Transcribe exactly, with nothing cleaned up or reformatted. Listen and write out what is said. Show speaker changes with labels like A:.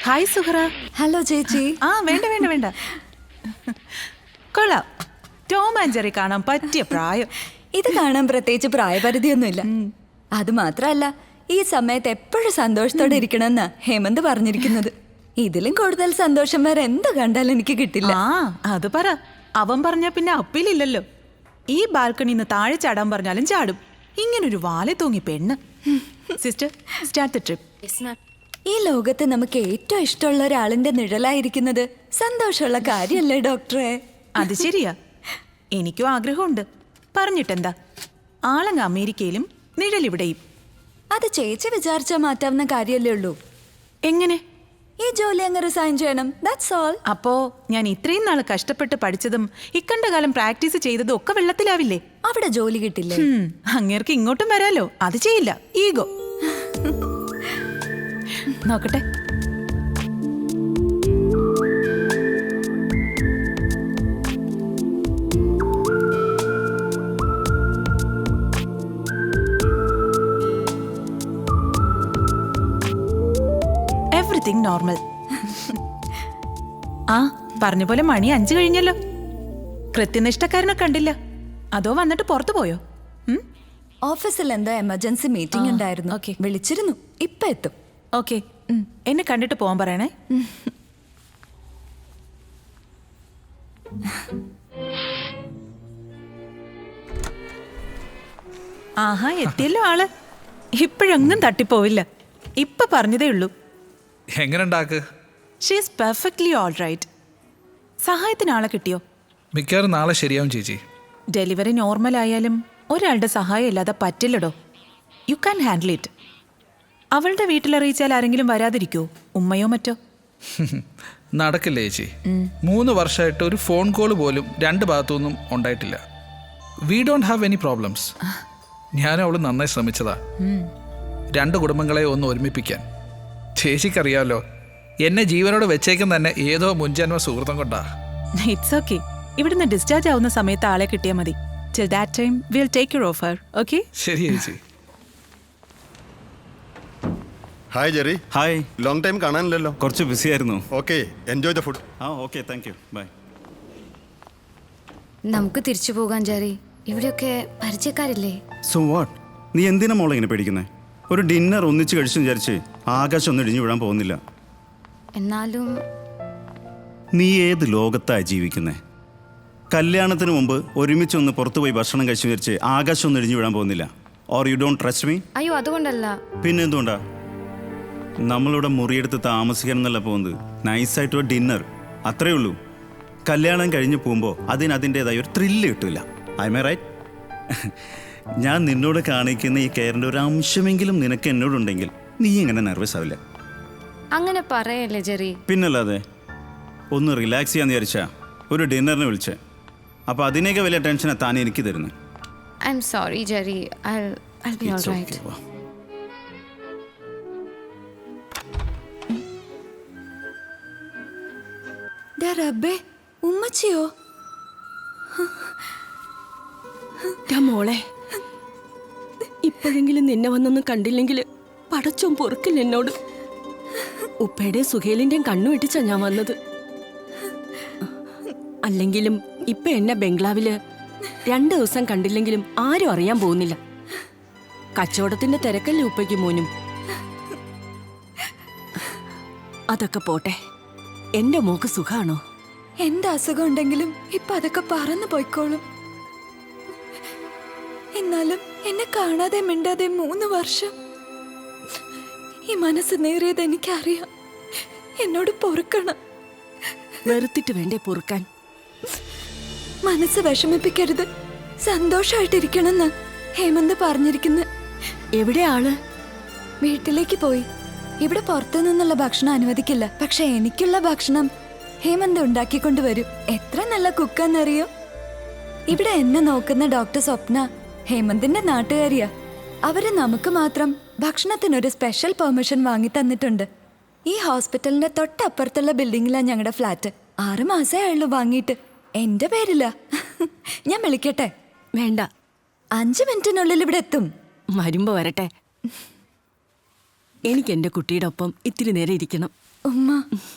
A: Hi Suhara.
B: Hello ചേച്ചി.
A: ആ വേണ്ട വേണ്ട വേണ്ട കൊള്ളാം. ടോം ആൻഡ് ജെറി കാണാൻ പറ്റിയ പ്രായം.
B: ഇത് കാണാൻ പ്രത്യേകിച്ച് പ്രായപരിധിയൊന്നുമില്ല. അത് മാത്രല്ല, ഈ സമയത്ത് എപ്പോഴും സന്തോഷത്തോടെ ഇരിക്കണമെന്നാ ഹേമന്ത് പറഞ്ഞിരിക്കുന്നത്. ഇതിലും കൂടുതൽ സന്തോഷം വേറെ എന്ത് കണ്ടാലും എനിക്ക് കിട്ടില്ല.
A: ആ അത് പറ. അവൻ പറഞ്ഞ പിന്നെ അപ്പീലില്ലല്ലോ. ഈ ബാൽക്കണിന്ന് താഴെ ചാടാൻ പറഞ്ഞാലും ചാടും. ഇങ്ങനൊരു വാലെ തൂങ്ങി പെണ്ണ്. Sister, start the trip.
B: ഈ ലോകത്ത് നമുക്ക് ഏറ്റവും ഇഷ്ടമുള്ള ഒരാളിന്റെ നിഴലായിരിക്കുന്നത് സന്തോഷമുള്ള കാര്യല്ലേ ഡോക്ടറെ?
A: അത് ശരിയാ. എനിക്കും ആഗ്രഹമുണ്ട്. പറഞ്ഞിട്ടെന്താ, ആളങ്ങ് അമേരിക്കയിലും നിഴലിവിടെയും.
B: അത് ചേച്ചി വിചാരിച്ചാൽ മാറ്റാവുന്ന കാര്യമല്ലേ ഉള്ളൂ.
A: എങ്ങനെ?
B: ഈ ജോലി അങ്ങ് റിസൈൻ ചെയ്യണം, ദാറ്റ്സ് ഓൾ.
A: അപ്പോ ഞാൻ ഇത്രയും നാൾ കഷ്ടപ്പെട്ട് പഠിച്ചതും ഇക്കണ്ട കാലം പ്രാക്ടീസ് ചെയ്തതും ഒക്കെ വെള്ളത്തിലാവില്ലേ?
B: അവിടെ ജോലി കിട്ടില്ലേ?
A: അങ്ങേർക്ക് ഇങ്ങോട്ടും വരാലോ. അത് ചെയ്യില്ല, ഈഗോ. നോക്കട്ടെ. Everything normal. ആ പറഞ്ഞ പോലെ മണി അഞ്ചു കഴിഞ്ഞല്ലോ. കൃത്യനിഷ്ഠക്കാരനെ കണ്ടില്ല. അതോ വന്നിട്ട് പുറത്തു പോയോ?
B: ഓഫീസിൽ എന്തോ എമർജൻസി മീറ്റിംഗ് ഉണ്ടായിരുന്നു.
A: ഓക്കെ,
B: വിളിച്ചിരുന്നു. ഇപ്പൊ എത്തും.
A: ഓക്കെ, എന്നെ കണ്ടിട്ട് പോവാൻ പറയണേ. ആഹാ, എത്തിയല്ലോ ആള്. ഇപ്പോഴൊന്നും തട്ടിപ്പോവില്ല. ഇപ്പൊ പറഞ്ഞതേ ഉള്ളൂ.
C: എങ്ങനെ
A: ഷീസ് പെർഫെക്റ്റ്ലി ഓൾ റൈറ്റ്. സഹായത്തിന് ആളെ കിട്ടിയോ?
C: മിക്കവാറും നാളെ ശരിയാവും ചേച്ചി.
A: ഡെലിവറി നോർമൽ ആയാലും ഒരാളുടെ സഹായം ഇല്ലാതെ പറ്റില്ലടോ. You can handle it. അവളുടെ വീട്ടിലറിയിച്ചാൽ ആരെങ്കിലും വരാതിരിക്കോ? ഉമ്മയോ മറ്റോ?
C: നടക്കില്ല ചേച്ചി. മൂന്ന് വർഷമായിട്ട് ഒരു ഫോൺ കോൾ പോലും രണ്ട് ഭാഗത്തുനിന്നും ഉണ്ടായിട്ടില്ല. We don't have any problems. ഞാനും അവള് നന്നായി ശ്രമിച്ചതാ രണ്ട് കുടുംബങ്ങളെ ഒന്ന് ഒരുമിപ്പിക്കാൻ. ചേച്ചിക്കറിയാമല്ലോ, എന്നെ ജീവനോട് വെച്ചേക്കും തന്നെ ഏതോ മുൻജന്മ സുഹൃത്തം കൊണ്ടാ.
A: It's okay. ഇവിടുന്ന് ഡിസ്ചാർജ് ആവുന്ന സമയത്ത് ആളെ കിട്ടിയാൽ മതി. Till that time will take your offer. Okay?
C: ശരി ചേച്ചി.
D: Hi Jerry.
E: Hi.
D: Long time കാണാനില്ലല്ലോ.
E: കുറച്ച് ബിസി ആയിരുന്നു.
D: Okay, enjoy the food.
E: ആ ഓക്കെ, താങ്ക് യു, ബൈ.
F: നമുക്ക് തിരിച്ചു പോകാൻ ജെറി. ഇവിടെയൊക്കെ പരിചയക്കാരില്ലേ?
E: So what? നീ എന്തിനാ മോളെ ഇങ്ങനെ പേടിക്കുന്നേ? ഒരു ഡിന്നർ ഒന്നിച്ച് കഴിച്ചു വിചാരിച്ച് ആകാശം ഒന്നും ഇടിഞ്ഞു വിടാൻ പോകുന്നില്ല.
F: എന്നാലും
E: നീ ഏത് ലോകത്താ ജീവിക്കുന്നേ? കല്യാണത്തിന് മുമ്പ് ഒരുമിച്ചൊന്ന് പുറത്തു പോയി ഭക്ഷണം കഴിച്ചു വിചാരിച്ച് ആകാശം ഒന്നും ഇടിഞ്ഞു വിടാൻ പോകുന്നില്ല. Or you don't trust me?
F: അയ്യോ, അതുകൊണ്ടല്ല.
E: പിന്നെ എന്തുകൊണ്ടാ? നമ്മളിവിടെ മുറിയെടുത്ത് താമസിക്കാൻ എന്നല്ല പോകുന്നത്. നൈസായിട്ട് ഒരു ഡിന്നർ, അത്രേ ഉള്ളൂ. കല്യാണം കഴിഞ്ഞ് പോകുമ്പോൾ അതിന് അതിൻ്റെതായ ഒരു ത്രില്ല് കിട്ടില്ല. I may right? ഞാൻ നിന്നോട് കാണിക്കുന്ന ഈ കെയറിൻ്റെ ഒരു അംശമെങ്കിലും നിനക്ക് എന്നോടുണ്ടെങ്കിൽ നീ ഇങ്ങനെ നെർവസ് ആവില്ല.
F: അങ്ങനെ പറയല്ലേ ജെറി.
E: പിന്നല്ലാതെ. ഒന്ന് റിലാക്സ് ചെയ്യാന്ന് വിചാരിച്ചാ ഒരു ഡിന്നറിന് വിളിച്ചേ. അപ്പോൾ അതിനേക്ക് വലിയ ടെൻഷനാണ് താൻ എനിക്ക് തരുന്നത്.
F: I am sorry Jerry. I'll I'll be all right.
B: റബ്ബേ, ഉമ്മച്ചിയോ?
G: മോളെ, ഇപ്പോഴെങ്കിലും നിന്നെ വന്നൊന്നും കണ്ടില്ലെങ്കിൽ പടച്ചോൻ പൊറുക്കില്ല എന്നോട്. ഉപ്പയുടെ സുഹേലിന്റെയും കണ്ണു വെട്ടിച്ചാ ഞാൻ വന്നത്. അല്ലെങ്കിലും ഇപ്പൊ എന്നെ ബംഗ്ലാവില് രണ്ടു ദിവസം കണ്ടില്ലെങ്കിലും ആരും അറിയാൻ പോകുന്നില്ല. കച്ചവടത്തിന്റെ തിരക്കല്ലേ ഉപ്പയ്ക്ക് മോനും. അതൊക്കെ പോട്ടെ, എന്റെ മോക്ക് സുഖാണോ?
B: എന്ത് അസുഖം ഉണ്ടെങ്കിലും ഇപ്പൊ അതൊക്കെ പറന്നു പോയിക്കോളും. എന്നാലും എന്നെ കാണാതെ മിണ്ടാതെ മൂന്ന് വർഷം ഈ മനസ്സ് നേറിയത് എനിക്കറിയാം. എന്നോട് പൊറുക്കണം.
G: വെറുത്തിട്ട് വേണ്ടേ പൊറുക്കാൻ?
B: മനസ്സ് വിഷമിപ്പിക്കരുത്, സന്തോഷായിട്ടിരിക്കണമെന്ന് ഹേമന്ത് പറഞ്ഞിരിക്കുന്നു.
G: എവിടെ ആള്?
B: വീട്ടിലേക്ക് പോയി. ഇവിടെ പുറത്തു നിന്നുള്ള ഭക്ഷണം അനുവദിക്കില്ല. പക്ഷെ എനിക്കുള്ള ഭക്ഷണം ഹേമന്ത് ഉണ്ടാക്കിക്കൊണ്ട് വരും. എത്ര നല്ല കുക്കാന്നറിയോ? ഇവിടെ എന്നെ നോക്കുന്ന ഡോക്ടർ സ്വപ്ന ഹേമന്തിന്റെ നാട്ടുകാരിയാ. അവര് നമുക്ക് മാത്രം ഭക്ഷണത്തിനൊരു സ്പെഷ്യൽ പെർമിഷൻ വാങ്ങി തന്നിട്ടുണ്ട്. ഈ ഹോസ്പിറ്റലിന്റെ തൊട്ടപ്പുറത്തുള്ള ബിൽഡിങ്ങിലാണ് ഞങ്ങളുടെ ഫ്ലാറ്റ്. ആറ് മാസേ ആയുള്ളൂ വാങ്ങിയിട്ട്. എന്റെ പേരില്ല. ഞാൻ വിളിക്കട്ടെ?
G: വേണ്ട,
B: അഞ്ചു മിനിറ്റിനുള്ളിൽ ഇവിടെ എത്തും.
G: വരുമ്പോ വരട്ടെ. എനിക്ക് എന്റെ കുട്ടിയുടെ ഒപ്പം ഇത്തിരി നേരം ഇരിക്കണം.
B: ഉമ്മ